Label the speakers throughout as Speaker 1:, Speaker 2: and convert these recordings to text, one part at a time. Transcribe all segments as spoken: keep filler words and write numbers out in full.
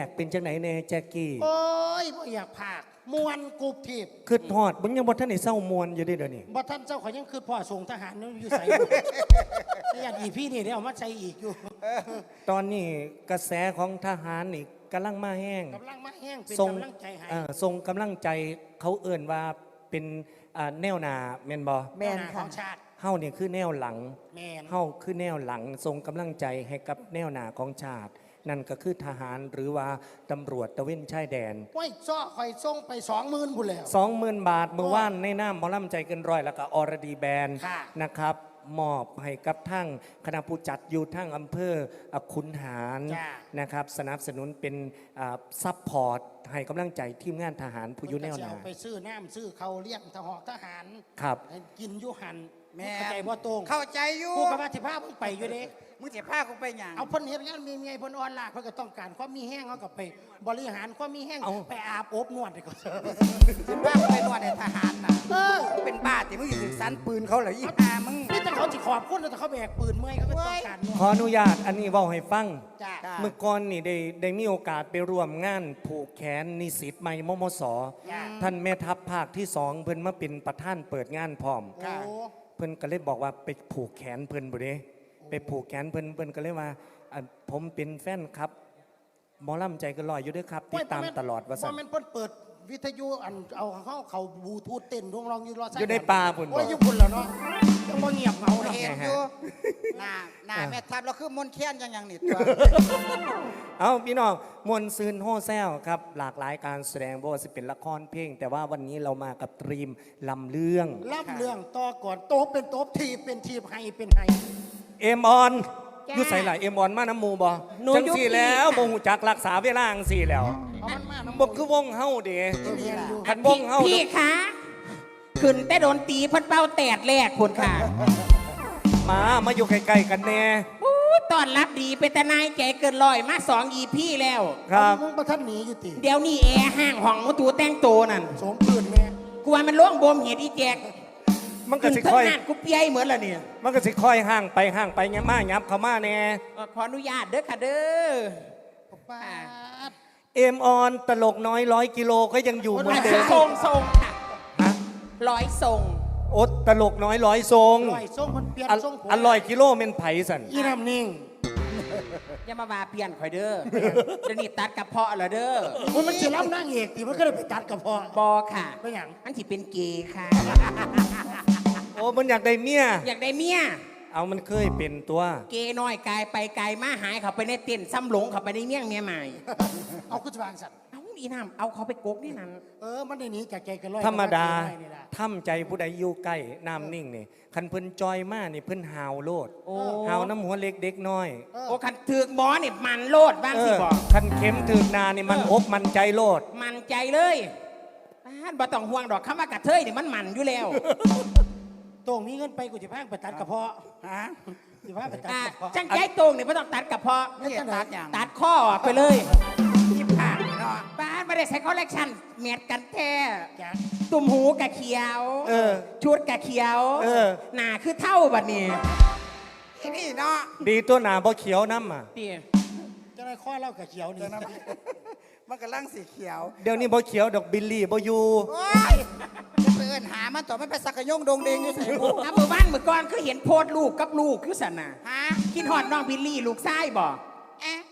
Speaker 1: กเป็นจังไหนแน่แจ็คกี้
Speaker 2: โอ้ยบ่อยากพากมวนกูทีบ
Speaker 1: คือทอดมึงยังบ่ทันได้เศร้ามวนอยู่เด้เดี๋ยวนี้
Speaker 2: บ่ท่านเจ้าขอยยังคือพ่อส่งทหารนั่นอยู่ใส่ญาติอีพี่นี่เดี๋ยวเอามาใส่อีกอยู่
Speaker 1: ตอนนี้กระแสของทหารนี่กำลังมาแห้ง
Speaker 2: กำลังมาแห้งเป็น
Speaker 1: ทรง
Speaker 2: กำลังใจให้
Speaker 1: ทรงกำลังใจเขาเอิ่นว่าเป็นแนวหน้าแม่นบ่
Speaker 2: แม่นของชาติ
Speaker 1: เฮานี่คือแนวหลัง
Speaker 2: แม่น
Speaker 1: เฮาคือแนวหลังทรงกำลังใจให้กับแนวหน้าของชาตินั่นก็คือทหารหรือว่าตำรวจตะเวนชายแดน
Speaker 2: โอ้ยซ้อคอยส่งไปสองหมื่นพุ่นแล้ว
Speaker 1: สองหมื่นบาทเมื่อวานในน้ำหมอลำใจเกินร้อยแล้วก็อรดีแบนนะครับมอบให้กับทั้งคณะผู้จัดอยู่ทั้งอำเภอขุนหารนะครับสนับสนุนเป็นซัพพอร์ตให้กำลังใจทีมงานทหารผู้อยู่แนวหน้า
Speaker 2: ไปซื้อน้ำซื้อเขาเลี้ยงทหารทหาร
Speaker 1: ครับ
Speaker 2: กินยุหันแม่เข้าใจบ่ตรง
Speaker 3: เข้าใจอยู่
Speaker 2: กูกับว่าสิพามึงไปอยู่เด้
Speaker 3: มึงจะพากูไปหยัง
Speaker 2: เอาพ้นเฮ็ดงานมีเมียพ้นออนไลน์เพิ่นก็ต้องการความมีแห้งเขาก็ไปบริหารความมีแห้งไปอาบอบนวดให้เขา
Speaker 3: สิพากูไปนวดในทหารน่ะเออเป็นบ้าที่มึงอยู่ถึงสันปืนเขาเหรออีห่ามึง
Speaker 2: นี่แต่เขาสิขอบคุณแต่เขาแบกปืนเมื่อยเขาก็ต้องการ
Speaker 1: ขออนุญาตอันนี้เว้าให้ฟังเมื่อก่อนนี่ได้ได้มีโอกาสไปร่วมงานผูกแขนนิสิตใหม่มมสท่านแม่ทัพภาคที่สองเพิ่นมาเป็นประธานเปิดงานพร้อมเพิ่นก็เลยบอกว่าไปผูกแขนเพิ่นบ่เด้ไปผูกแขนเพิ่นเพิ่นก็เลยว่าผมเป็นแฟนครับหมอลำใจก็ลอยอยู่ด้วยครับติดตามตลอดว่า
Speaker 2: ซั่นว่ามันเพิ่นเปิดวิทยุอันเอาเขาเขาบลูทูธเต้นดวงร้องอยู่รอ
Speaker 1: อยู่ในป่าพุ่น
Speaker 2: โอ้ยอยู่พุ่นแล้วเนาะยังบ่เงียบเหงา
Speaker 3: เห็นอยู่หน้าหน้าแม่ทัพเราคือมนเทียนยังยังนี่ตัว
Speaker 1: เอาพี่น้องมวลซืนโฮแซวครับหลากหลายการแสดงบ่ว่าสิเป็นละครเพลงแต่ว่าวันนี้เรามากับตรีมลำเรื่อง
Speaker 2: ลำเรื่องต่อก่อนโต๊ะเป็นโต๊ะทีเป็นทีให้เป็นให้
Speaker 1: เอ็มออนอยู่ใส่หลายเอ็มออนมาน้ำมูบ่จังสี่แล้วบ่ฮู้จักรักษาเวลาจังสี่แล้วบ่คือวงเฮาเด้คันวงเฮา
Speaker 4: พี่คะขึ้นแต่โดนตีพันเป้าแตดแรกคนค่ะ
Speaker 1: มามาอยู่ใกล้ๆกันแน่
Speaker 4: ตอนรับดีเป็นตนายแกเกินลอยมาสองอีพี่แล้ว
Speaker 1: ครับ
Speaker 2: มึงประทันหนีอยู่ติ
Speaker 4: เดี๋ยวนี้แอร์ห้างห้องมุตูแต่งโตนั่น
Speaker 2: สมปืนแม่
Speaker 4: กูว่ามันล่วงบ่มเหตุอีแจก
Speaker 1: มันก็สิค่อย
Speaker 4: กูเปียเหมือนละเนี่ย
Speaker 1: มันก็สิค่อยห่างไปห่างไปเงี้ยมายับเข้ามาแน่
Speaker 4: ขออนุญาตเด้อค่ะเด้อ
Speaker 2: ป้า
Speaker 1: เอ็มออนตลกน้อยร้อยกิโลก็ยังอยู่เหมือนเดิม
Speaker 4: ทรงทรงค่ะ
Speaker 1: ฮะ
Speaker 4: ร้อยทรง
Speaker 1: โอ๊ตตลกน้อยร้อยทรง
Speaker 2: ร้อยทรงมันเปลี่ยนทรง
Speaker 1: อร่อยกิโลเมนไผ่สัน
Speaker 2: อีน้ำนิ่ง
Speaker 4: อย่ามาบาเปลี่ยนข่อยเด้อเดี๋ยวนี้ตัดกระเพาะเหรอเด้อ
Speaker 2: มันจะรับนางเอกที่มันก็เลยไปตัดกระเพาะ
Speaker 4: บอค่ะ
Speaker 2: เป็นอย่าง
Speaker 4: อันที่เป็นเกย์ค่ะ
Speaker 1: โอ้มันอยากได้เมีย
Speaker 4: อยากได้เมีย
Speaker 1: เอามันเคยเป็นตัว
Speaker 4: เกย์น้อยกายไปกายมาหายเขาไปในเต้นซ้ำหลงเขาไปในเมี่ยงเมียใหม่
Speaker 2: เอาขึ้นวางสัตว์
Speaker 4: เอาอีน้ำเอาเขาไปกกนี่นั่น
Speaker 2: เออมันในนี้จากใจกันลอย
Speaker 1: ธรรมดาทำใจผู้ใดอยู่ใกล้น้ำนิ่งนี่คันเพิ่นจอยมากนี่เพิ่นหาวโลดหาวน้ำหัวเล็กเด็กน้อย
Speaker 4: โอ้คันถือกหมอนี่มันโลดบ้างสิบอก
Speaker 1: คันเข็มถือกนานี่มันอกมันใจโลด
Speaker 4: มันใจเลยบ้านบ่ต้องห่วงดอกคำว่ากระเทยนี่มันมันอยู่แล้ว
Speaker 2: ตรงนี้เงินไปกูจะพาไปตัดกระเพาะ
Speaker 4: ฮะ
Speaker 2: จะพาไปตัดกระเพาะ
Speaker 4: จังใจตรงนี่ไม่ต้องตัดกระเพาะ
Speaker 2: ไม่ต้องตัดอย่าง
Speaker 4: ตัดข้อไปเลยที่ผ่านเนาะบ้านไม่ได้ใช้คอลเลกชันเม็ดกันแท้ตุ่มหูกะเขียวชุดกะเขียวหนาคือเท่าบัดนี้
Speaker 3: นี่เนาะ
Speaker 1: ดีตัวหนาบ่เขียวน้ำอ่ะ
Speaker 2: จะได้ข้อเล่ากะเขียวนี่
Speaker 3: มันกำลังสีเขียว
Speaker 1: เดี๋ยวนี้บ่เขียวดอกบิลลี่บ่อยู่
Speaker 3: จะเปิดหามันต่อไม่ไปสักกะยงดงเดงอยู่ใส่บุก
Speaker 4: นะเมื่อวานเมื่อก่อนคือเห็นโพดลูกกับลูกคือสันน่ะฮะกินหอดน้องบิลลี่ลูกไส้บ่เอ๊ะ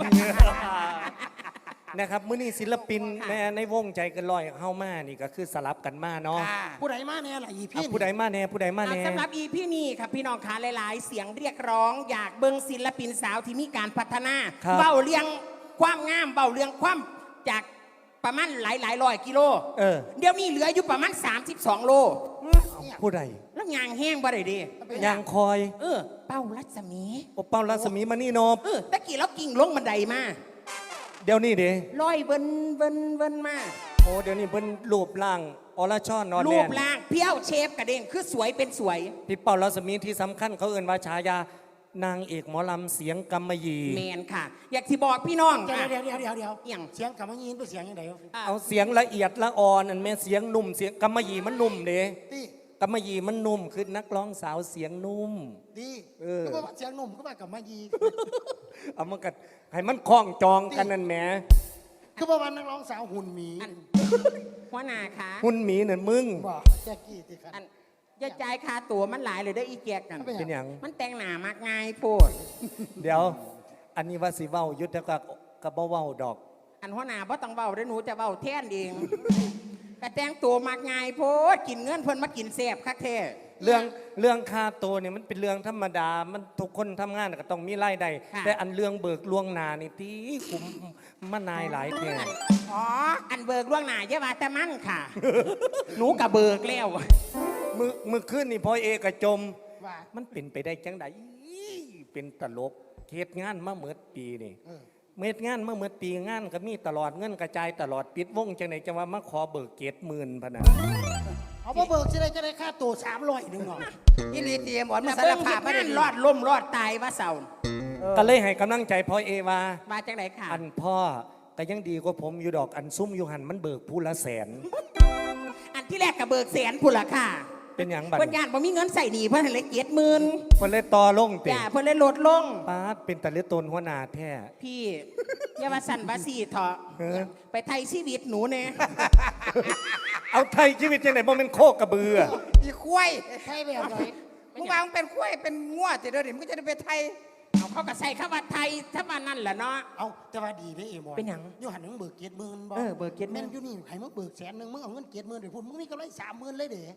Speaker 1: นะครับมื้อนี้ศิลปินในในวงใจเกินร้อยเฮามานี่ก็คือสลับกันมาเนาะ
Speaker 2: ผู้ใดมาแน่ล่ะอีพี่
Speaker 1: ผู้ใดมาแน่ผู้ใดมาแน่
Speaker 4: สำหรับอีพี่นี่ครับพี่น้องขาหลายๆเสียงเรียกร้องอยากเบิ่งศิลปินสาวที่มีการพัฒนาเบ้าเลี้ยงความงามเบ้าเลี้ยงความจากประมาณหลายหลายร้อยกิโลเดี๋ยวนี้เหลืออยู่ประมาณสามสิบสองโล
Speaker 1: ผู้ใด
Speaker 4: แล้วยางแห้งบ่ได้ดี
Speaker 1: ยางคอย
Speaker 4: เออเป้ารัศมี
Speaker 1: โอ้เป้ารัศมีมานี่นบ
Speaker 4: เออตะกี้แล้วกิ่งลงบันไดมา
Speaker 1: เดี๋ยวนี้เด้
Speaker 4: ลอยเบิ้นเบิ้นเบิ้นมา
Speaker 1: โอ้เดี๋ยวนี้เบิ้นรูปร่างอรชรนอนแน่
Speaker 4: รูปร่างเพี้ยวเชฟกระเด้งคือสวยเป็นสวย
Speaker 1: พี่เป้ารัศมีที่สำคัญเขาเอ่นว่าฉายานางเอกหมอลำเสียงกำมะหยี่
Speaker 4: แมนค่ะอยากที่บอกพี่น้อง
Speaker 2: เดี๋ยวเดี๋ยวเดี๋ยวเดี๋ยวเดี๋ยวเสียงกำมะหยี่เป็นเสียงยังไง
Speaker 1: เอาเสียงละเอียดละอ่อนอันแม่เสียงนุ่มเสียงกำมะหยี่มันนุ่มเด้กำมะหยี่มันนุ่มคือนักร้องสาวเสียงนุ่ม
Speaker 2: ดี
Speaker 1: เออ
Speaker 2: ก็ว่าเสียงหนุ่มก็ว่ากับมายี
Speaker 1: เอามากัดให้มันคล้องจองกันนั่นแหม
Speaker 2: คือว่าวันนักร้องสาวหุ่นหมี
Speaker 4: อันหัวหน้าคะ
Speaker 1: หุ่นหมีเนี่ยมึง
Speaker 2: บอกแจ็กกี้สิครับ
Speaker 4: อันอย่าจ่ายค่าตั๋วมันหลายเลยเด้ออีแจกกัน
Speaker 2: เป็น
Speaker 1: เป็นอย่าง
Speaker 4: มันแต่งหน้ามากง่ายโพด
Speaker 1: เดี๋ยว อันนี้ว่าสิเว้ายุทธกับกับบ่เว้าดอก
Speaker 4: อันหัวหน้าบ่ต้องเว้าเด้อหนูจะเว้าแทนเองกระแต่งตัวมากง่ายโพดกินเงินเพิ่นมากินแซ่บคักแท้
Speaker 1: เรื่องเรื่องค่าตัวเนี่ยมันเป็นเรื่องธรรมดา มันทุกคนทำงานก็ต้องมีรายได้แต่อันเรื่องเบิกล่วงหน้านี่ที่คุ้มมานายหลายแท่
Speaker 4: อ๋ออันเบิกล่วงหน้าเยาว่าแต่มันค่ะ หนูกับเบิกแล้ว
Speaker 1: มือมือขึ้นนี่พอเอกจม
Speaker 2: ว่า
Speaker 1: มันเป็นไปได้จังไดเป็นตลกเฮ็ดงานมาเมื่อปีนี่
Speaker 2: เออ
Speaker 1: เม็ดงานมาเมื่อปีงานก็มีตลอดเงินกระจายตลอดปิดวงจังไหนจังว่ามาขอเบิกเกตหมื่นพะนะ
Speaker 2: เอาบ่เบิกสิได้จะได้ค่าตัวสามร้อยหนึ่งหรอ
Speaker 3: อีหลีเตรียมอ่อนมา
Speaker 4: แต่
Speaker 3: สาร
Speaker 4: เบิ่ง
Speaker 3: ภา
Speaker 4: เฮ็
Speaker 3: พ
Speaker 4: ด
Speaker 3: ไม่
Speaker 4: งา
Speaker 3: ได้
Speaker 4: น
Speaker 3: ดี
Speaker 4: รอดล่มรอดตายว่าเสา
Speaker 1: ก็เลยให้กำลังใจพ่อเอว่า
Speaker 4: มาจากไหนค่ะ
Speaker 1: อันพ่อก็ยังดีกว่าผมอยู่ดอกอันซุ่มอยู่หันมันเบิกผู้ละแสน
Speaker 4: อันที่แรกกับเบิกแสนพุ่นล่ะค่ะ
Speaker 1: เป็นอย่างบัด
Speaker 4: เพิ่นญาติบ่มีเงินใส่หนี้เพิ่นให้เลยเจ็ดหมื่น
Speaker 1: เพิ่นเลยต่อลงติ
Speaker 4: จ้าเพิ่นเลยลดลง
Speaker 1: ป้าดเป็นตะเลตนหัวหน้าแท้
Speaker 4: พี่อย่าว่าสั่นว่าสีเถาะ
Speaker 1: เออ
Speaker 4: ไปไทยชีวิตหนูเนี่ย
Speaker 1: เอาไทยชีวิตจังไหนบ่แม่นโคกกระเบือ
Speaker 3: อีควาย
Speaker 2: ใช่แบบไหน
Speaker 3: มึงว่ามึงเป็นควายเป็นงัวติเดี๋ยวนี้มึงก็จะได้ไปไทย
Speaker 4: เอาเขาก็ใส่คำว่าไทยถ้าว่านั่นแหละเนาะ
Speaker 2: เอาแต่ว่าดีได้เอมอน
Speaker 4: เป็นหยัง
Speaker 2: อยู่หันมึงเบิกเกียรติหมื่นบ่
Speaker 4: เออเบิกเกียรติหมื่
Speaker 2: แม่
Speaker 4: น
Speaker 2: นอยู่นี่ให้มึงเบิกแสนหนึ่งมึงเอาเงินเกียรติหมื่นเดี๋ยวพูดมึงมีกำไรสามหมื่นเลยเด้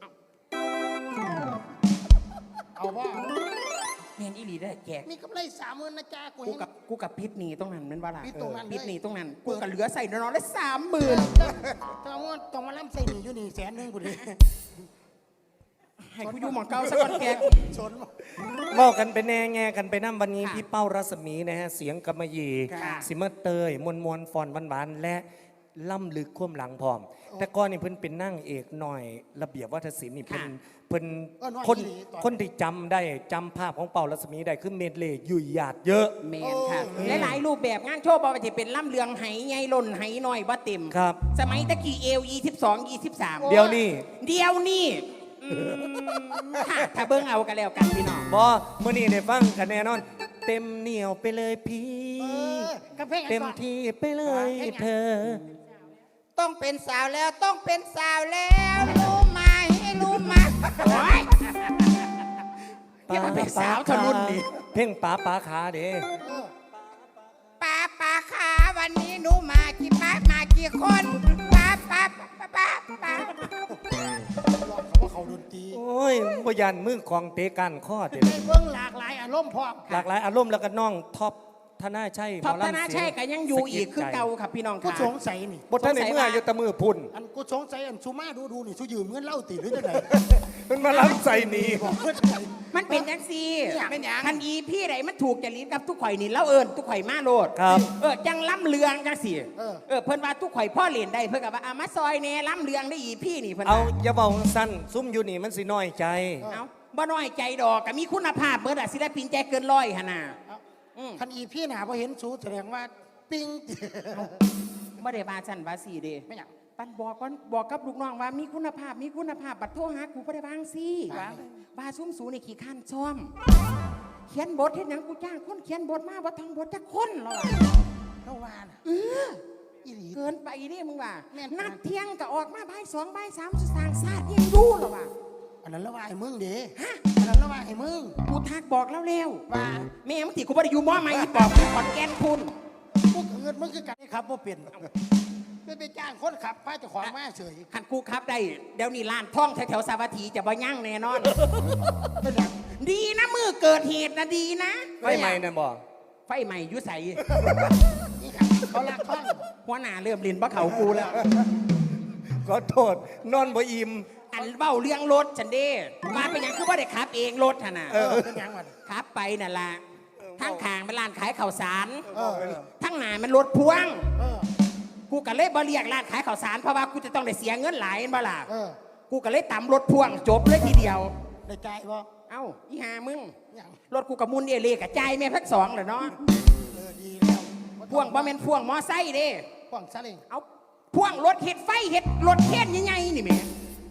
Speaker 2: เอาว่า
Speaker 4: แม่นอีหลีได้อแจก
Speaker 2: มีกำไรสามหมื่นนะจ๊ะกู
Speaker 4: กู
Speaker 2: เห็น
Speaker 4: กับกูกับพิษหนีตรงนั้นแมันว่าล่ะ
Speaker 2: พิษตรงนั้น
Speaker 4: พิษหนี
Speaker 2: เลย
Speaker 4: ตรงนั้นกูกับเหลือใส่น้อยๆได้สามหมื่น
Speaker 2: ต้องมาต้องมาล่ำใส่หนีอยู่นี่แสนหนึ่งกูดิ
Speaker 4: ให้กูอยู่หมองเก่าสักก่อนแก
Speaker 2: ชน
Speaker 1: เว้ากันไปแน่แง่กันไปน้ำวันนี้
Speaker 4: ค่ะ
Speaker 1: พี่เป้ารัศมีนะฮะเสียงกำมะหยี่
Speaker 4: ค่ะ
Speaker 1: สิมาเตยมวลมวลฟอนหวานๆและล่ำลึกความหลังพร้อม แต่ก่อนนี่เพิ่นเป็นนั่งเอกหน่อย ระเบียบวัฒนศิลป์นี่เพิ่นเพิ่นคนคนที่จำได้จำภาพของเป่ารัศมีได้คือเมดเลย์ยุ่ยหยาดเยอะ
Speaker 4: แมนค่ะหลายๆรูปแบบงานโชว์บอว่าจะเป็นล่ำเลืองไหใหญ่ล่นไหน้อยบ่เต็ม
Speaker 1: ครับ
Speaker 4: สมัยตะกี้เอลยี่สิบสองยี่สิบสาม
Speaker 1: เดี๋ยวนี้
Speaker 4: เดียวนี่อืมค่ะถ้าเบิ้งเอากันแล้วกันพี่น้อง
Speaker 1: บอมื่อนี้ได้ฟังกันแน่นอน เต็มเหนียวไปเลยพี่
Speaker 2: เออกระเพง
Speaker 1: เต็มที่ไปเลยเธอ
Speaker 3: ต้องเป็นสาวแล้วต้องเป็นสาวแล้วรู้ไหมรู้ไหม
Speaker 4: โอ้ยเรียกว่าเป็นสาวทะลุนดิ
Speaker 1: เพ่งป๋าป๋าขาเด้
Speaker 3: ป้าป้าขาวันนี้หนูมากี่ป้ามากี่คนป้าป้าป้าป้าป้า
Speaker 2: ลองเขาว่าเขาดนตรี
Speaker 1: โอ้ยบยันมือของเตะกันข้อเตะ
Speaker 2: ให้เบิ่งหลากหลายอารมณ์พร้อม
Speaker 1: หลากหลายอารมณ์แล้วก็น้องท็อปธนาชัย
Speaker 4: ท็อป
Speaker 1: หม
Speaker 4: ธ
Speaker 1: ลำ
Speaker 4: นา
Speaker 1: เสี
Speaker 4: ชัยก็ยังอยู่อีกคือเก่า
Speaker 1: สะดใจ
Speaker 4: ครับพี่น้อง
Speaker 2: กู
Speaker 4: ค่ะ
Speaker 2: สงสัยนี่
Speaker 1: บทท่านในเมื่ออยู่แตะมือพุ่น
Speaker 2: อันกูสงสัยอันซูมาดูดูนี่ซูยืมเงินเล่าติหรือจะไหน
Speaker 1: มันมาล้ำใส่หนี
Speaker 2: บอกเพื่อนไหน
Speaker 4: มันเป็นจังซี่
Speaker 3: เป็นหยัง
Speaker 4: ทันอีพี่ใดมันถูกจริตกับทุกข่อยนี่เล่าเอิญทุกข่อยมาโลด
Speaker 1: ครับ
Speaker 4: เออจังล้ำเลืองจังสิเออเพิ่นว่าทุกข่อยพ่อเล่นได้เพิ่นกับว่าอามาซอยแหน่ล้ำเลืองได้อีพี่นี่เพิ่น
Speaker 1: เอา
Speaker 4: ว่า
Speaker 1: อย่าเบาสั้นซุ่มอยู่นี่มันสิน้อยใจ
Speaker 4: เอาบ่น้อยใจดอกก็มีคุณภาพเบิดอะศิลปินใจเกินร้อยหั่นน่ะ อืม
Speaker 2: คันอีพี่หนาพอเห็นซูแสดงว่าปิ้ง
Speaker 4: บ่ได้ว่าซั่นว่าซี่เด้
Speaker 2: ไม่อยาก
Speaker 4: ปันบอกก่อนบอกกับลูกน้องว่ามีคุณภาพมีคุณภาพบัดโทรหากูบ่ได้วาจั่งซี่ว่าว่าซุ่มสูนี่ขี้ข้านซ่อม เขียนบทเฮ็ดหยังกูจ้างคนเขียนบทมาบ่ท่องบทจักคนหรอก
Speaker 2: เท่าว่านะอีหลี
Speaker 4: เกินไปเด้มึงว่า
Speaker 2: แม่น
Speaker 4: นัดเที่ยงก็ออกมาบ่ายสองบ่ายสามสุดสร้างชาติยังอยู่หรอวะ
Speaker 2: อันนั้นละว่าไอ้มึงเด้อันนั้นละว่าไอ้มึง
Speaker 4: กูทักบอกแล้วแล้ว
Speaker 2: ว่า
Speaker 4: แม่มึงติกูบ่ได้อยู่มอใหม่อีปอบกูขอนแก่นคุณ
Speaker 2: พวกเงินมึงคือกันได้ครับว่าเปลี่ยนไม่ไปจ้างคนขับพาเจ้าของมาเฉย
Speaker 4: คันกูครับได้เดี๋ยวนี้ร้านท่องแถวๆสาวัตถีจะบ่ยั่งแน่นอน
Speaker 2: เป็นหยัง
Speaker 4: ดีนะมือเกิดเหตุนะดีนะ
Speaker 1: ไฟไหม้นะบอก
Speaker 4: ไฟใหม่อยุใส
Speaker 2: นี่ครับเขาลากท่อง
Speaker 4: หัวหน้าเริ่มลินบ่เขากูแล้ว
Speaker 1: ขอโทษนอนบ่อิ่ม
Speaker 4: อันเบ้าเรื่องรถฉันเด้มาเป็นหยังคือว่าได้ขับเองรถหั่นน่ะ
Speaker 2: เออเป็นหยังมัน
Speaker 4: ขับไปนั่นล่ะทั้งขางเป็นร้านขายข้าวสาร
Speaker 2: เออ
Speaker 4: ทั้งหน้ามันรถพ่วง
Speaker 2: เออ
Speaker 4: กูก็เลยบ่เรียกร้านขายข้าวสารเพราะว่ากูจะต้องได้เสียเงินหลายเห็นบ่ล่ะ
Speaker 2: เออ
Speaker 4: กูก็เลยตำรถพ่วงจบเลยทีเดียว
Speaker 2: ได้ใจบ่
Speaker 4: เอ้าอีหามึง
Speaker 2: หยัง
Speaker 4: รถกูกับมุนเอเล่กับใจายแม่พักสองเลยเนาะ
Speaker 2: เออดีแล้ว
Speaker 4: พ่วงบ่แม่นพ่วงมอไซค์เด้
Speaker 2: พ่วงซาเล้ง
Speaker 4: เอาพ่วงรถเห็ดไฟเห็ดรถเทียนใหญ่ๆนี่แหม่
Speaker 2: สิ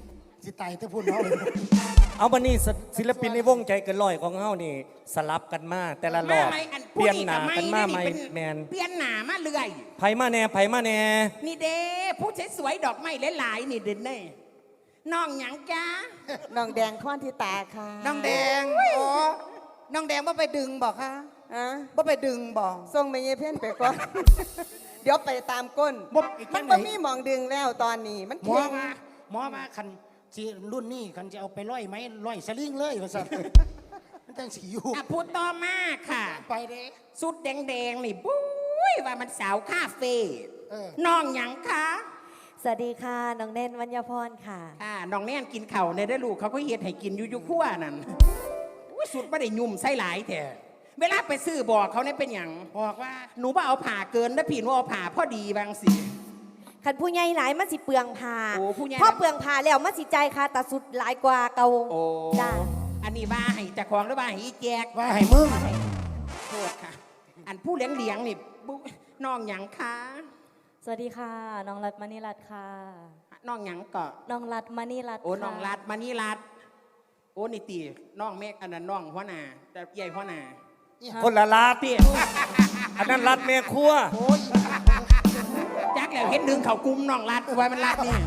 Speaker 2: สิตายแต่พูดเนาะ
Speaker 1: เอาบันนี้ศิลปินในวงใจเกินร้อยของเฮานี่สลับกันมาแต่ละรอบ
Speaker 4: มาไหมอัน
Speaker 1: เปลี่ยนหนา
Speaker 4: ผู้
Speaker 1: กันมาใหม่
Speaker 4: เป็น
Speaker 1: แมน
Speaker 4: เปลี่ยนหนามาเรื่อย
Speaker 1: ไผมาแน่ไผมาแน่
Speaker 4: นี่เด้ผู้สวยๆดอกไม้หลายๆนี่เด่นเน่น้องหยังจ้า
Speaker 5: น้องแดงข้อนที่ตาค่ะ
Speaker 3: น้องแดงอ๋อน้องแดงว่าไปดึงบอกคะ
Speaker 5: อะ
Speaker 3: ว่าไปดึงบอก
Speaker 5: ส่งไปเยเพ่นไปก่อน เดี๋ยวไปตามก้น
Speaker 2: บ่อีกจั
Speaker 5: มัน
Speaker 2: งไหน
Speaker 5: ก็มีหมองดึงแล้วตอนนี้ มัน
Speaker 2: หมอ
Speaker 5: เข่ง
Speaker 2: มาหมอมาคันสิรุ่นนี้คันจะเอาไปร้อยไหมร้อยสลิงเลยว่าซั่นมันจังสิอยู่
Speaker 4: อ่ะพูดต่อมาค่ะ
Speaker 2: ไปเด้
Speaker 4: สุดแดงๆนี่บุ้ยว่ามันสาวคาเฟ่
Speaker 2: เออ
Speaker 4: น้องหยังคะ
Speaker 6: สวัสดีค่ะ น้องเน้นวัญญพรค่ะ
Speaker 4: อ่าน้องแน่นกินเข่าวในได้อลูกเขาก็เฮ็ดให้กินอยู่อยุขั้วนั่นอุ๊ยสุดไม่ได้ยุ่มไส้หลายแท้เวลาไปซื้อบอกเขาเนี่ยเป็นอย่าง
Speaker 2: บอกว่า
Speaker 4: หนูบ่เอาผ่าเกินนะพี่หนูเอาผ่าพอดีบางสิ
Speaker 6: คันผู้ใหญ่หลายมันสิเปลืองผ้า
Speaker 4: โอ้ผู้ใหญ่
Speaker 6: พอเปลืองผ้าแล้วมันสิใจค่ะแต่สุดหลายกว่าเก่า
Speaker 4: โอ้
Speaker 6: จ้า
Speaker 4: อันนี้ว่าให้เจะของหรือว่าให้อีแจก
Speaker 2: ว่าให้มึง
Speaker 4: โทษค่ะ อันผู้เลี้ยงเลี้ยงๆนี่บุน้องหยังคะ
Speaker 6: สวัสดีค่ะ น้องรัตมณีรัตน์ค่ะ
Speaker 4: น้องหยังก็
Speaker 6: น้องรัตมณีรัตน์
Speaker 4: โอ้
Speaker 6: ค่ะ
Speaker 4: น้องรัดมานี่รัดโอ้นี่ตีน้องเมฆอันนั้นน้องหัวหน้าแต่ใหญ่หัวหน้า
Speaker 1: คนละลาด
Speaker 4: เตี้ย
Speaker 1: อันนั้นรัดแม่ครัว
Speaker 2: โอ้ย
Speaker 4: จักแล้วเห็นดึงเขากุมน้องรัดไว้มันรัดนี่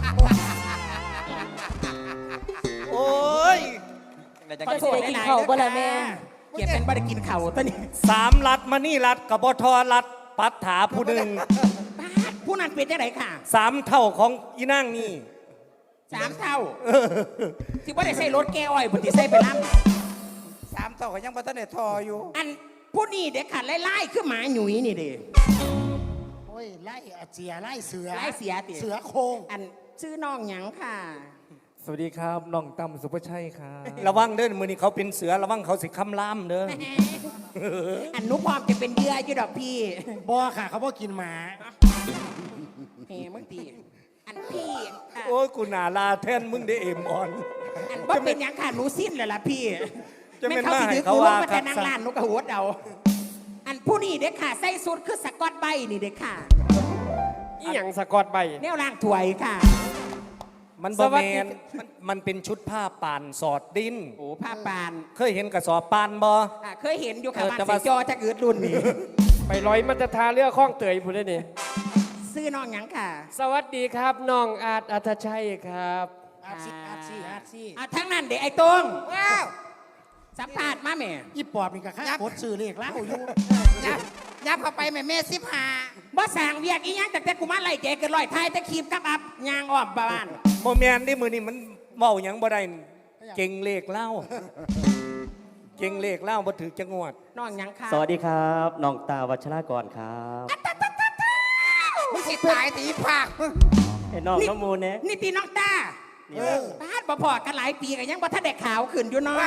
Speaker 1: โอ้ย
Speaker 4: ขอโทษหลายๆเด้อค่ะเกียรติเป็นบ่ได้กินเข่าวตอนนี้
Speaker 1: สามรัดมานี่รัดกับบทอรัดปัดถาผู้หนึ่ง
Speaker 4: ปาดผู้นั้นเป็นจังไดค่ะ
Speaker 1: สามเท่าของอีนั่งนี่
Speaker 4: สามเท่าที่ว่าได้ใส่รถแก้อ้อยบนที่ใส่ไปล้
Speaker 3: สามต่อก็ยังบัตรเนทออยู่
Speaker 4: ำอันผู้นี้เด็กขาดไล่ๆคือหมาหนุ่ยนี่เด้
Speaker 2: โอ้ยไล่อาเจียไล่เสือ
Speaker 4: ไล่เสียติ
Speaker 2: เสือโคร่ง
Speaker 4: อันชื่อน้องหยังค่ะ
Speaker 7: สวัสดีครับน้องตั้มสุภชัยครับ
Speaker 1: ระวังเด้อมือนี้เขาเป็นเสือระวังเขาสิคำล่ามเด้อ
Speaker 4: อันหนุพร้อมจะเป็นเหยื่ออยู่ดอกพี่
Speaker 2: บ่ค่ะเขาบ่กินหมา
Speaker 4: เฮ้มึงตีอันพี่ค่ะ
Speaker 1: โอ้ยกูหนาลาแทนมึงได้เอ็มออน
Speaker 4: อันว่าเป็นหยังค่ะหนูสิ้นเลยล่ะพี่
Speaker 1: จะเป็น
Speaker 4: เขาสิ
Speaker 1: มาให้
Speaker 4: ถือ
Speaker 1: เขา
Speaker 4: กูลง
Speaker 1: ว่า
Speaker 4: มาแต่นาง
Speaker 1: ครับ
Speaker 4: ลานนกกระหัวเดาอันผู้นี้เด็กค่ะใส่สุดคือสกอตใบนี่เด็กค่ะ
Speaker 7: อีหยังสะกอตใบ
Speaker 4: แนวล่างถวยค่ะ
Speaker 1: มันบ
Speaker 7: ส
Speaker 1: อ
Speaker 7: วั
Speaker 1: แม
Speaker 7: สดี
Speaker 1: นมันมันเป็นชุดผ้าป่านสอดดิน
Speaker 4: โอ้ผ้าปาน
Speaker 1: เคยเห็นกระสอบปานบอ
Speaker 4: อ่ะเคยเห็นอยู่ค่ะ
Speaker 1: เออ
Speaker 4: บ้าน
Speaker 1: แต่
Speaker 4: ใส่
Speaker 1: ว่า
Speaker 4: จอจะเกิดรุ่นนี้
Speaker 7: ไปร้อยมันจะทาเรือข้องเตยผู้ได้นี่
Speaker 4: ซื้อน้องหยังค่ะ
Speaker 7: สวัสดีครับน้องอาจอัธชัยครับ
Speaker 2: อาซีอาซีอาซี
Speaker 4: อ่ะทั้งนั้นเด็กไอ้ตรงว้าวสัมภาษณ์มาแม่
Speaker 2: อีปอบนี่ก็ค่ากดซื้อเลขแล้วอยู่
Speaker 3: ยับยับเข้าไปแม่แม่สิบหา
Speaker 4: บ่สั่งเวียกอีหยังแต่แต่กูมาไล่เจกันลอยไทยแต่คีบกับอับยางอ้อมบ้าน
Speaker 1: โมแมนที่มือนี่มันเมาหยังบ่ได้เก่งเลขเล่าเก่งเลขเล่าบ่ถือจังหวัด
Speaker 4: น้องหยังค่ะ
Speaker 8: สวัสดีครับน้องตาวัชรากรครับ
Speaker 3: มึงสิตายตีภาคมึง
Speaker 8: ไอ้น้องน้องมูลเนี่ย
Speaker 4: นี่ตีน้องตา
Speaker 8: นี่นะ
Speaker 4: บ้านบ่พอกันหลายปีกันยังบ่ทันได้ขาวขึ้นอยู่เนาะ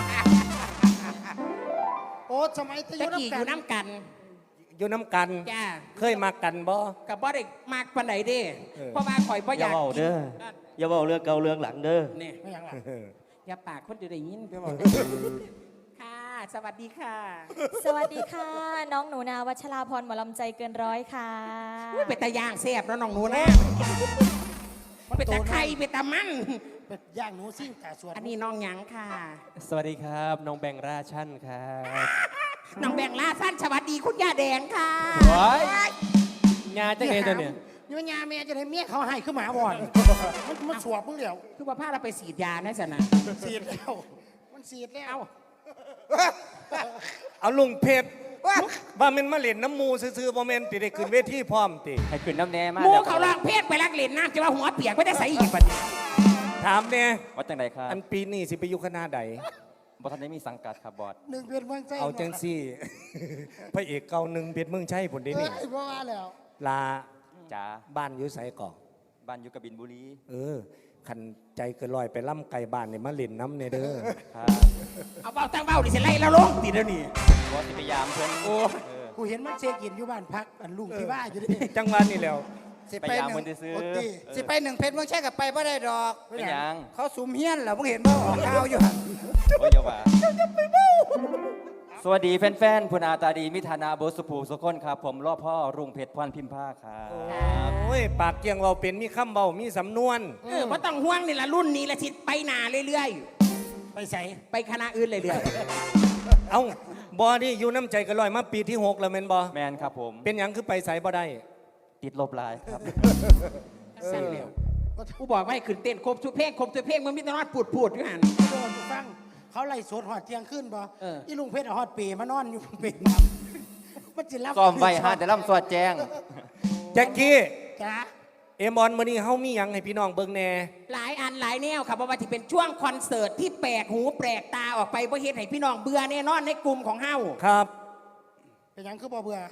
Speaker 2: โอ้สมัยตะ
Speaker 4: ตะ
Speaker 2: ยุ
Speaker 4: กี้อ
Speaker 2: กั
Speaker 4: ยู่
Speaker 2: น
Speaker 4: น้ำกัน
Speaker 1: อยู่น้ำกัน
Speaker 4: จ้า
Speaker 1: เคยมากันบ่
Speaker 4: กับบ่ได้มากปานใดเด้
Speaker 1: เออ
Speaker 4: เพราะว่าข่อยบ่อาก
Speaker 8: อย่ายเบา
Speaker 4: กิน
Speaker 8: เด้ออย่าเบาเรื่องเก่าเรื่องหลังเด้อ
Speaker 4: นี่
Speaker 2: ไม่ยังล่ะ
Speaker 4: อย่าปากคนจะได้ยินไปบอกค่ะ สวัสดีค่ะ
Speaker 6: สวัสดีค่ะ น้องหนูนาวัชราพรหมอลำใจเกินร้อยค่ะ
Speaker 4: อุ๊ยเป็นตาย่างแซ่บแล้วน้องหนูนะเป็นตาไข่เป็นตามัน
Speaker 2: เป็ดย่างหนูซิ่งแต่ส่วน
Speaker 4: อันนี้น้องหยังค่ะ
Speaker 7: สวัสดีครับน้องแบงค์ราชันครับ
Speaker 4: น้องแบ่งลาสั้นสวัสดีคุณย่าแดงค่ะ
Speaker 7: ว้ายงานจะไงตัวเนี่ย
Speaker 2: นี่มันยาแม่จะได้เมียเขาให้ขึ้นหมาบ่อนมันมันสวบมึงเดียว
Speaker 4: คือว่าพาเราไปสีดยานะสนะ
Speaker 2: สีดแล้วมันสีดแล้ว
Speaker 1: เอาลุงเพชรว่ามันมาเล่นน้ำมูซื่อๆบ่แม่นติได้ขึ้นเวทีพร้อมติ
Speaker 8: ให้ขึ้นน้ำแน่มาก
Speaker 4: หมูเขาลองเพศไปรักเล่นน้ำจะว่าหัวเปียกไม่ได้ใส่อีกปัดนี้
Speaker 1: ถามแน่
Speaker 8: วัดจังไดครับ
Speaker 1: อันปีนี้สิไปอยู่คณะใด
Speaker 8: บอทันได้มีสังกัดครับบอส
Speaker 2: หนึ่งเพียนเมืองใจ
Speaker 1: เอาจังซี่ พระเอกเก่าหนึ่งเพชรเมืองชัยผลเด
Speaker 2: เอ้
Speaker 1: นี่
Speaker 2: ยเพราะว่าแล้ว
Speaker 1: ลา
Speaker 8: จ๋า
Speaker 1: บ้านอยู่ไสก่อน
Speaker 8: บ้านอยู่กบินบุรี
Speaker 1: เออขันใจเกินลอยไปล่ำไก่บ้านเนี่ยมาเล่นน้ำเนี่ยเด้อ
Speaker 8: ครับ
Speaker 4: เอาเบาตั้งเบาดิฉันไล่แล้วลงติดแล้วนี่
Speaker 8: บอสสิพยายามเพิ่นโอ้เออ
Speaker 2: กูเห็นมันเซกินอยู่บ้านพักอันลุงที่ว่าอยู่ดิ
Speaker 1: จังหวัดนี่แหล้ว
Speaker 3: สิ
Speaker 8: พ
Speaker 3: ไป
Speaker 8: ยายาม
Speaker 3: ห
Speaker 8: เพิ่
Speaker 3: นึ่
Speaker 8: น
Speaker 3: ง
Speaker 8: ซื้อ
Speaker 2: โอ้ติ
Speaker 8: เออ
Speaker 3: สิไปหนึ่งเพชรมึงใช่กับไปไม่ได้ดอก
Speaker 8: เป็นหยัง
Speaker 3: เขาสุมเฮี้ยนเหรอมึงเห็นบ่ออกข่าวอยู่หั่น
Speaker 8: โอ้ยเดี๋ยวว่าสวัสดีแฟนๆผู้นาตาดีมิธานาโบสุภูสุคนครับ ผมรอพ่อรุ่งเพชรพรพิมพ์ภาคครับ
Speaker 2: โอ้
Speaker 1: อ้ยปากเกียงเบาเป็นมีคำเบามีสำนวน
Speaker 4: เออบ่ต้องห่วงนี่ละรุ่นนี้ละสิไปหนาเรื่อย
Speaker 2: ไปใส่
Speaker 4: ๆ ไปคณะอื่นเรื่อย
Speaker 1: เอ้าบอนี่อยู่น้ำใจกันลอยมาปีที่หกแล้วแม่นบอ
Speaker 8: แมนครับผม
Speaker 1: เป็นหยังคือไปใส่บ่ได้
Speaker 8: ติดลบลายครับ
Speaker 4: ๆสั่นแล้วกูบอกว่าให้ขึ้นเต้นครบทุกเพลงครบทุกเพลงมึงมีแต่นอนปูดปูดๆอยู่หัน
Speaker 2: โดนฟังเขาไล่สวดหอดเที่ยงขึ้นบ่
Speaker 4: เออ
Speaker 2: อีลุงเพชรเอาหอดเปมานอนอยู่เปรมันจะรับ
Speaker 8: ซ้อมไว้ฮะแต่ล่ำสวดแจ้ง
Speaker 1: แจ็คกี้
Speaker 2: จ้า
Speaker 1: เอมบอลมื้อนี้เฮามีหยังให้พี่น้องเบิ่งแหน่
Speaker 4: หลายอันหลายแนวค่ะเพราะว่าที่เป็นช่วงคอนเสิร์ตที่แปลกหูแปลกตาออกไปเพราะเฮ็ดให้พี่น้องเบื่อแน่นอนในกลุ่มของเฮา
Speaker 1: ครับ
Speaker 2: เป็นหยังคือบ่เบื่อ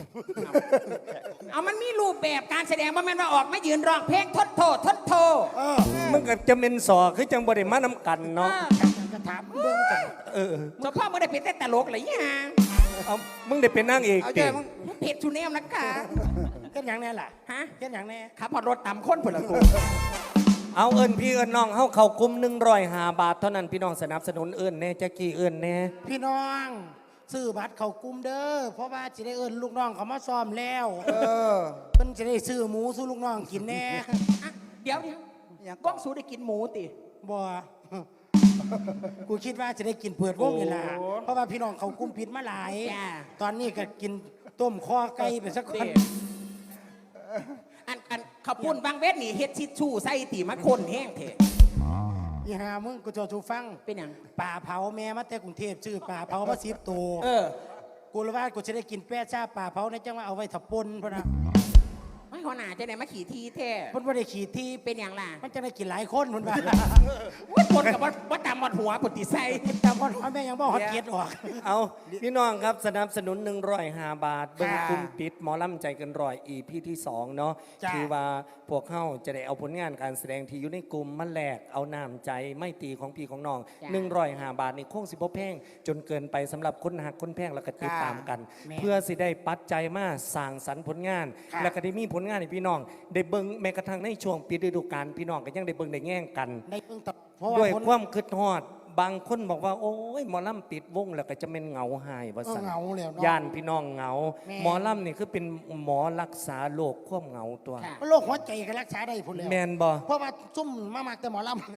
Speaker 4: เอามันมีรูปแบบการแสดงว่าแม่นว่าออกมายืนร้องเพลงทดโทษทดโทษ
Speaker 2: เออ
Speaker 1: มันก็จะเป็นสอคือจังบ่ได้มานํกันเนาะ
Speaker 2: จะถามเบิ่งกัน
Speaker 1: เออ
Speaker 4: เฉพาะมึงได้เป็นแต่ตลกเลยยัง
Speaker 1: เอามึงได้เป็นนางเอก
Speaker 3: เอา
Speaker 1: ติ
Speaker 3: ใจมึง
Speaker 4: เพจชูแนมนะคะ
Speaker 2: เฮ็ดหยังแน่ล่ะ
Speaker 4: ฮะ
Speaker 2: เฮ็ดหยังแน่
Speaker 4: ขับพอรถต่ำค้นผลกู
Speaker 1: เอาเอิ้นพี่เอิ้นน้องเฮาเข้ากลุ่มหนึ่งร้อยห้าบาทเท่านั้นพี่น้องสนับสนุนเอิ้นแน่แจ็คกี้เอิ้นแน่
Speaker 2: พี่น้องซื้อบัตรเข้ากลุ่มเด้อเพราะว่าจะได้เอิ้นลูกน้องเขามาซ้อมแล้ว
Speaker 3: เออ
Speaker 2: เพิ่นจะได้ซื้อหมูสู้ลูกน้องกินแน่
Speaker 4: อ่ะเดี๋ยวเดี๋ยว
Speaker 3: อย่าง
Speaker 4: ก้องสูได้กินหมูติ
Speaker 2: บ่ กูคิดว่าจะได้กินเปิดวงนี่ล่ะเพราะว่าพี่น้องเขากลุ่มปิดมาหลาย
Speaker 4: จ้า
Speaker 2: ตอนนี้ก็กินต้มคอไก่ไปสักคน
Speaker 4: เด้อันอันเขาพูนบางเวทนี่เฮ็ดชิดชู่ใส่ตีมาคนแห้งเถอะ
Speaker 2: อีหามึงกูจะชูฟัง
Speaker 4: เป็นหยัง
Speaker 2: ป่าเผาแม่มาแต่กรุงเทพชื่อป่าเผามาสิบตัว
Speaker 4: เออ
Speaker 2: กูเลยว่ากูจะได้กินแป้ชาป่าเผาในจังว่าเอาไว้ถับปนพะนะ
Speaker 4: ไม่หัวหน้าจะไหนมาขี่ทีแท้
Speaker 2: เพิ่นบ่ได้ขี่ที่
Speaker 4: เป็นอย่างล่ะ
Speaker 2: มันจะได้กินหลายคนเพิ่นว่า
Speaker 4: ว่าคนกับว่าว่าตามหมดหัวปฏิใส่
Speaker 2: แต่พ่อแม่ยังบ่ฮอดเกียรติออก
Speaker 1: เอาพี่น้องครับสนับสนุนหนึ่งร้อยห้าบาทเบิ่ง
Speaker 2: ค่ะ
Speaker 1: กลุ่มปิดหมอลำใจเกันร้อยอีพีที่สองเนาะ
Speaker 2: จ้ะ
Speaker 1: คือว่าพวกเขาจะได้เอาผลงานการแสดงที่อยู่ในกลุ่มมาแลกเอาน้ำใจไม่ตีของพี่ของน้องหนึ่งร้อยห้าบาทนี่คงสิบ่แพงจนเกินไปสำหรับคนหักคนแพงแล้วก็ติดตามกัน เพื่อสิได้ปัจจัยมาสร้างสรรค์ผลงาน แล้วก็ได้มีผลงานให้พี่น้อง ได้เบิ่งแม้กระทั่งในช่วงปิดฤดูกาลพี่น้องก็ยังได้เบิ่งได้แง่งกัน
Speaker 2: ได้เพิ่งตัดเพราะว่า
Speaker 1: ด้วย
Speaker 2: คน
Speaker 1: ความคิดฮอด บางคนบอกว่าโอ้ยหมอลำปิดวงแล้วก็จะเป็นเหงาหายว่า
Speaker 2: เออ
Speaker 1: สั่น
Speaker 2: เหงาแล้วเนาะ
Speaker 1: ย่านพี่น้องเหงา
Speaker 2: แม่
Speaker 1: หมอลำนี่คือเป็นหมอรักษาโรคความเหงาตัว
Speaker 2: โรคหัวใจก็รักษาได้พุ่นแล้ว
Speaker 1: แมนบ่
Speaker 2: เพราะว่าซุ่มมามักแต่หมอลำ